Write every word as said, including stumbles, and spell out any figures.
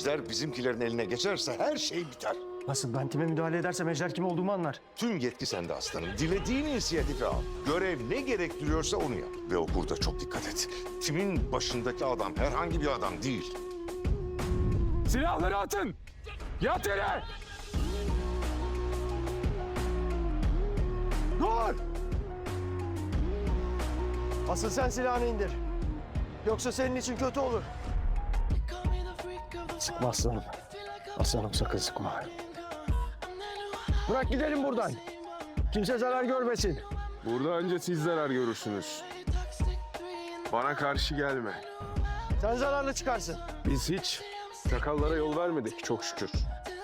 Ejder bizimkilerin eline geçerse her şey biter. Nasıl? Ben kime müdahale edersem Ejder kim olduğumu anlar. Tüm yetki sende aslanım. Dilediğin inisiyatifi al. Görev ne gerektiriyorsa onu yap. Ve o burada çok dikkat et. Timin başındaki adam herhangi bir adam değil. Silahları atın! Yat yere! Dur! Asıl sen silahını indir. Yoksa senin için kötü olur. Sıkma aslanım. Aslanım sakın sıkma. Bırak gidelim buradan. Kimse zarar görmesin. Burada önce siz zarar görürsünüz. Bana karşı gelme. Sen zararlı çıkarsın. Biz hiç sakallara yol vermedik çok şükür.